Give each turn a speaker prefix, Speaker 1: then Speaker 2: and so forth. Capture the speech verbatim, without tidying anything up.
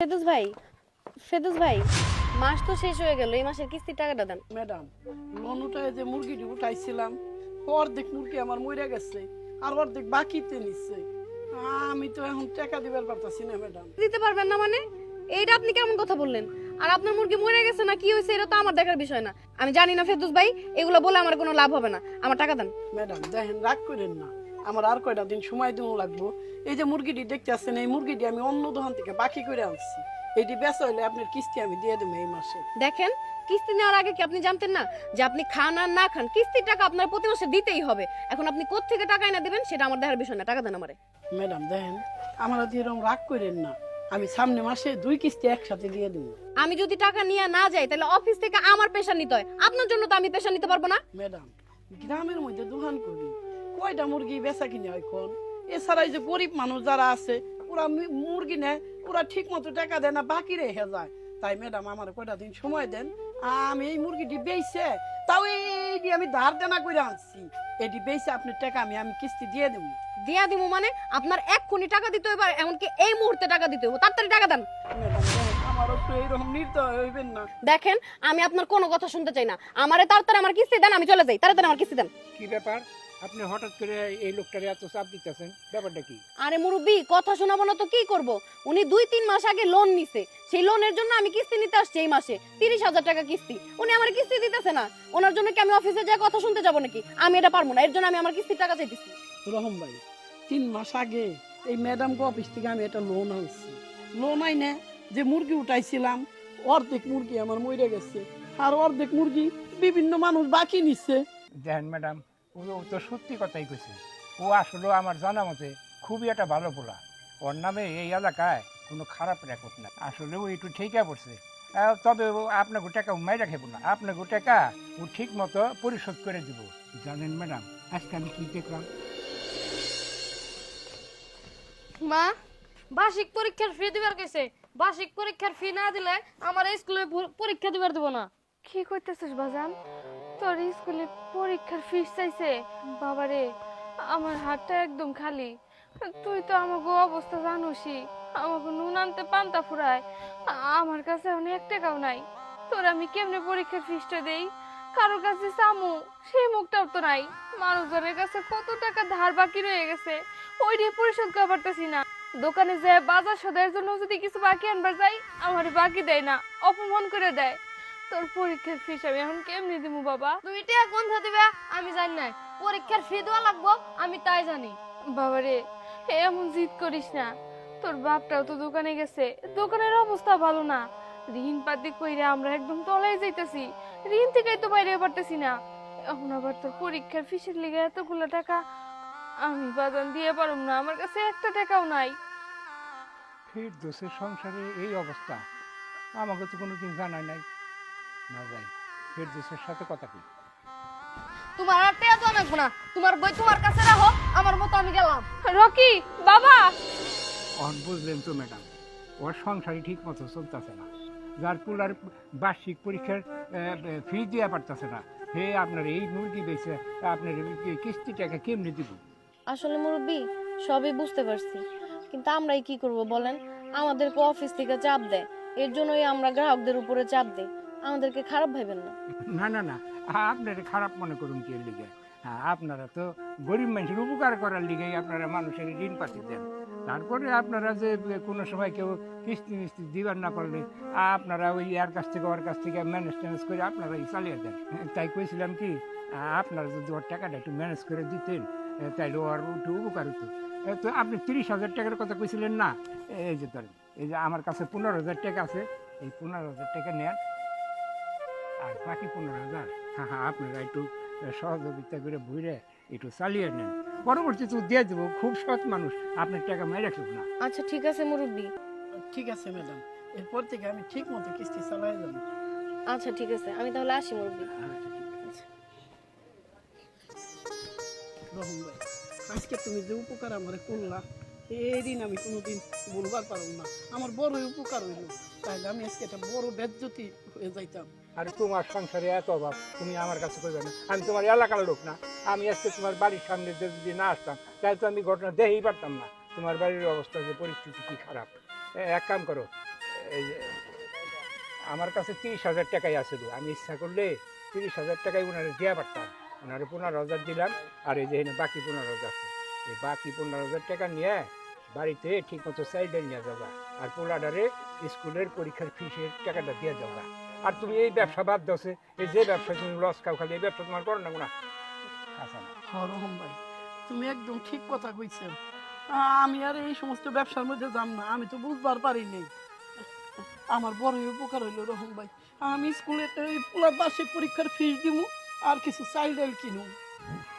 Speaker 1: ফেদুস ভাই, ফেদুস ভাই, মাস তো শেষ হয়ে গেল, এই মাসের কিস্তির টাকাটা দেন।
Speaker 2: ম্যাডাম, লোন উঠায় যে মুরগিটি উঠাইছিলাম অর্ধেক মুরগি আমার মরে গেছে আর অর্ধেক বাকিতে নিচ্ছে। আমি তো এখন টাকা দিবার পারতাছি না ম্যাডাম।
Speaker 1: দিতে পারবেন না মানে? এইটা আপনি কেমন কথা বললেন? আর আপনার মুরগি মরে গেছে না কি হয়েছে এটা তো আমার দেখার বিষয় না। আমি জানি না ফেদুস ভাই, এগুলো বলে আমার কোনো লাভ হবে না, আমার টাকা দেন।
Speaker 2: ম্যাডাম দেখেন, রাগ করেন না, আমার আর কয়টা দিন সময় দেওয়া লাগবো। এই যে মুরগিটি দেখতে আসছেন, এই মুরগিটি আমি অন্য দোকান থেকে বাকি করে আনছি। এটি বেচা হলে আপনার কিস্তি আমি দিয়ে দেবো এই মাসে।
Speaker 1: দেখেন, কিস্তি নেওয়ার আগে কি আপনি জানতেন না যে আপনি খান আর না খান কিস্তির টাকা আপনার প্রতি মাসে দিতেই হবে? এখন আপনি কোত্থেকে টাকা এনে দিবেন সেটা আমার দেখার বিষয় না, টাকা দেন আমারে।
Speaker 2: ম্যাডাম দেখেন, আমার এরকম রাগ করেন না, আমি সামনে মাসে দুই কিস্তি একসাথে দিয়ে দেবো।
Speaker 1: আমি যদি টাকা নিয়ে না যাই তাহলে অফিস থেকে আমার পেশা নিতে হয়, আপনার জন্য তো আমি পেশা নিতে পারবো না।
Speaker 2: ম্যাডাম, গ্রামের মধ্যে দোকান করি, কয়টা মুরগি বেচা কিনে হয় কোন? এছাড়া এই যে গরিব মানুষ যারা আছে ওরা মি- মুরগি নেয়, ওরা ঠিক মতো টাকা দেয় না, বাকি রেখে যায়। তাই ম্যাডাম আমার কয়টা দিন সময় দেন, আমি এই মুরগিটি বেচে, তাও এইটি আমি ধার দেনা করে আনছি, এটি বেচে আপনার টাকা আমি আমি কিস্তি দিয়ে দেবো।
Speaker 1: দিয়া দিমু মানে? আপনার এক্ষুনি টাকা দিতে হবে, আর এমনকি এই মুহূর্তে টাকা দিতে হবে, তাড়াতাড়ি টাকা দেন।
Speaker 2: ম্যাডাম দেখেন, আমারও একটু এইরকম নির্দয় হইবেন না।
Speaker 1: দেখেন, আমি আপনার কোনো কথা শুনতে চাই না, আমারে তাড়াতাড়ি আমার কিস্তি দেন, আমি চলে যাই, তাড়াতাড়ি আমার কিস্তি দেন।
Speaker 3: কি ব্যাপার, আপনি হঠাৎ করে এই লোকটারে এত চাপ দিতেছেন, ব্যাপারটা কি?
Speaker 1: আরে মুরব্বি, কথা শোনাবো না তো কি করব? উনি দুই তিন মাস আগে লোন নিছে, সেই লোনের জন্য আমি কিস্তি নিতে আসছি এই মাসে তিরিশ হাজার টাকা কিস্তি। উনি আমার কিস্তি দিতেছে না, ওনার জন্য কি আমি অফিসে যাই কথা শুনতে যাবো নাকি? আমি এটা পারবো না, এর জন্য আমি আমার কিস্তির টাকা চাইতেছি।
Speaker 2: রহম ভাই, তিন মাস আগে এই ম্যাডাম কো অফিস থেকে আমি একটা লোন আনছি। লোন আইনে যে মুরগি উঠাইছিলাম, অর্ধেক মুরগি আমার মরে গেছে আর অর্ধেক মুরগি বিভিন্ন মানুষ বাকি নিচ্ছে।
Speaker 3: দেখেন ম্যাডাম, ও ও তো সত্যি কথাই কইছে। ও আসলে আমার জানা মতে খুবই একটা ভালো পোলা। ওর নামে এই এলাকায় কোনো খারাপ রেকর্ড না। আসলে ও একটু ঠিকই পড়ছে। আহ, তবে ও আপনাকে টাকা মাইরা খেব না, আপনাকে টাকা ও ঠিক মতো পরিশোধ করে দিব। জানেন ম্যাডাম, আজকে আমি কি দেখলাম?
Speaker 4: মা, বার্ষিক পরীক্ষার ফি দিবার কইছে। বার্ষিক পরীক্ষার ফি না দিলে আমার স্কুলে পরীক্ষা দিবার দেব না।
Speaker 5: কি করতেছিস বাজান? তোর স্কুলে পরীক্ষার ফিস চাইছে? বাবারে, আমার হাতটা একদম খালি। তুই তো আমাকে অবস্থা জানোসই, আমাকে নুন আনতে পান্তা ফুরায়, আমার কাছে অনেক টাকাও নাই। তোর আমি কেমনে পরীক্ষার ফিসটা দেই? কারোর কাছে চামু, সেই মুখটাও তো নাই। মানুষজনের কাছে কত টাকা ধার বাকি রয়ে গেছে, ওইটাই পরিশোধ করতে পারতেছি না। দোকানে যে বাজার সদাইয়ের জন্য যদি কিছু বাকি আনবার যাই, আমার বাকি দেয় না, অপমান করে দেয়। তোর পরীক্ষার ফিস আমি এখন কেমনি দিমু বাবা?
Speaker 4: তুমি টাকা কোন দিবে আমি জানি না, পরীক্ষার ফি দেওয়া লাগবো আমি তাই জানি।
Speaker 5: বাবারে, এমন জিদ করিস না। তোর বাপটাও তো দোকানে গেছে, দোকানের অবস্থা ভালো না। ঋণ পাতি কইরা আমরা একদম তলায় যাইতেছি, ঋণ থেকেই তো বাইরে পারতেছি না। এখন আবার তোর পরীক্ষার ফিসের লিগে এতগুলো টাকা আমি বাজান দিয়ে পারুম না, আমার কাছে একটা টাকাও নাই।
Speaker 3: ফির দোষের সংসারে এই অবস্থা, আমাকে তো কোনো দিন জানাই নাই। না যাই, ফির দোষের সাথে কথা কি?
Speaker 4: তোমার আর টাকা তো লাগবো না, তোমার বই তোমার কাছে রাখো, আমার মতো আমি গেলাম।
Speaker 5: রকি বাবা,
Speaker 3: অন বুঝলেন তো ম্যাডাম, ওর সংসারই ঠিক মতো চলতেছে না, যার পুলার বার্ষিক পরীক্ষার ফি দেওয়া পারতেছে না, হে আপনার এই মুরগি বেচে আপনার এই কিস্তি টাকা কেমনি দিব?
Speaker 1: আসলে মুরব্বি, সবই বুঝতে পারছি, কিন্তু আমরাই কি করব বলেন? আমাদেরকে অফিস থেকে চাপ দেয়, এর জন্যই আমরা গ্রাহকদের উপরে চাপ দেই। আমাদেরকে খারাপ ভাবেন না।
Speaker 3: না না না, আপনারা খারাপ মনে করুন কি এর লিগে? হ্যাঁ, আপনারা তো গরিব মানুষের উপকার করার লিগেই আপনারা মানুষের ঋণ পাতি দেন। তারপরে আপনারা যে কোনো সময় কেউ কিস্তি মিস্তি দিবার না পারলে আপনারা ওই এর কাছ থেকে ওর কাছ থেকে ম্যানেজ ট্যানেজ করে আপনারাই চালিয়ে দেন। তাই কইছিলাম কি, আপনারা যদি ওর টাকাটা একটু ম্যানেজ করে দিতেন তাইলে ওর একটু উপকার হতো। তো আপনি তিরিশ হাজার টাকার কথা কইছিলেন না? এই যে ধরেন, এই যে আমার কাছে পনেরো হাজার টাকা আছে, এই পনেরো হাজার টাকা নেন, আর বাকি পনেরো হাজার হ্যাঁ হ্যাঁ আপনারা একটু সহযোগিতা করে ভুইরে একটু চালিয়ে নেন, পরবর্তীতে দিয়ে দেবো। খুব সৎ মানুষ, আপনার টাকা মেরে রাখব না।
Speaker 1: আচ্ছা ঠিক আছে মুরব্বি।
Speaker 2: ঠিক আছে ম্যাডাম, এরপর থেকে আমি ঠিক মতো কিস্তি চালাই যাব।
Speaker 1: আচ্ছা ঠিক আছে, আমি তাহলে আসি মুরব্বি।
Speaker 3: আচ্ছা ঠিক আছে।
Speaker 2: রহম ভাই, আজকে তুমি যে উপকার আমার করলা, এই দিন আমি কোনোদিন বলবার পারব না। আমার বড় উপকার হইল, তাহলে আমি আজকে একটা বড় বেজ্জতি হয়ে যাইতাম।
Speaker 3: আর তোমার সংসারে এত অভাব, তুমি আমার কাছে করবে না? আমি তোমার এলাকার লোক না? আমি আজকে তোমার বাড়ির সামনে যদি না আসতাম তাহলে তো আমি ঘটনা দেখেই পারতাম না তোমার বাড়ির অবস্থা, যে পরিস্থিতি কি খারাপ। এক কাম করো, এই যে আমার কাছে তিরিশ হাজার টাকাই আছিল, আমি ইচ্ছা করলে তিরিশ হাজার টাকায় ওনারে দেওয়া পারতাম। ওনারে পনেরো হাজার দিলাম, আর এই যে এখানে বাকি পনেরো হাজার আছে, এই বাকি পনেরো হাজার টাকা নিয়ে বাড়িতে ঠিক মতো চাইল্ড নিয়ে যাবা, আর পোলাডারে স্কুলের পরীক্ষার ফিসের টাকাটা দিয়ে যাবা। আর তুমি এই ব্যবসা বাদ দছে, এই যে ব্যবসা তুমি লস খাও খালি, এই ব্যবসা তোমার করো না না আচ্ছা না।
Speaker 2: হ্যাঁ রহম ভাই, তুমি একদম ঠিক কথা কইছো। আমি আর এই সমস্ত ব্যবসার মধ্যে যাম না, আমি তো বুঝবার পারিনি। আমার বড় উপকার হইলো রহম ভাই, আমি স্কুলে পুরা বার্ষিক পরীক্ষার ফিস দিব আর কিছু চাইল্ড কিনুম।